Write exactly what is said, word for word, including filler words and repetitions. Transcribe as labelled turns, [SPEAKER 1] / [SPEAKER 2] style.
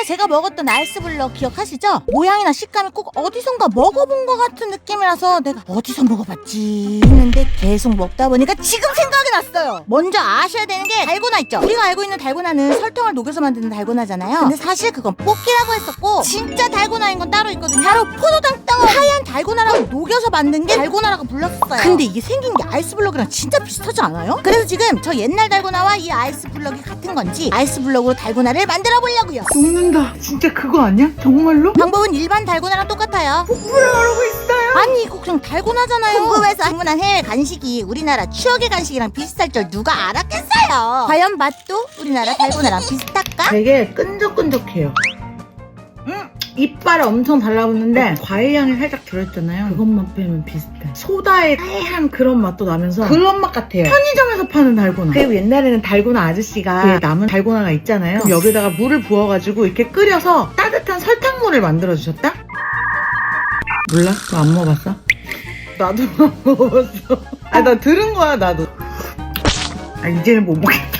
[SPEAKER 1] 제가 먹었던 아이스블럭 기억하시죠? 모양이나 식감이 꼭 어디선가 먹어본 것 같은 느낌이라서 내가 어디서 먹어봤지 했는데 계속 먹다 보니까 지금 생각이 났어요. 먼저 아셔야 되는 게 달고나 있죠? 우리가 알고 있는 달고나는 설탕을 녹여서 만드는 달고나잖아요. 근데 사실 그건 뽑기라고 했었고 진짜 달고나인 건 따로 있거든요. 바로 포도당 덩어리 하얀 달고나라고 녹여서 만든 게 달고나라고 불렀어요. 근데 이게 생긴 게 아이스블럭이랑 진짜 비슷하지 않아요? 그래서 지금 저 옛날 달고나와 이 아이스블럭이 같은 건지 아이스블럭으로 달고나를 만들어 보려고요.
[SPEAKER 2] 녹는다. 진짜 그거 아니야? 정말로?
[SPEAKER 1] 방법은 일반 달고나랑 똑같아요.
[SPEAKER 2] 폭포를 하고 있어요.
[SPEAKER 1] 아니 이거 그냥 달고나잖아요. 궁금해서 주문한 해외 간식이 우리나라 추억의 간식이랑 비슷할 줄 누가 알았겠어요. 과연 맛도 우리나라 달고나랑 비슷할까?
[SPEAKER 2] 되게 끈적끈적해요. 음, 이빨에 엄청 달라붙는데 과일 향이 살짝 들어있잖아요. 그것만 빼면 비슷해. 소다의 하얀 그런 맛도 나면서 그런 맛 같아요. 편의점에서 파는 달고나. 그리고 옛날에는 달고나 아저씨가 그 남은 달고나가 있잖아요. 그럼 여기다가 물을 부어가지고 이렇게 끓여서 따뜻한 설탕물을 만들어주셨다? 몰라? 너 안 먹어봤어? 나도 안 먹어봤어. 아, 나 들은 거야 나도. 아, 이제는 못 먹겠다.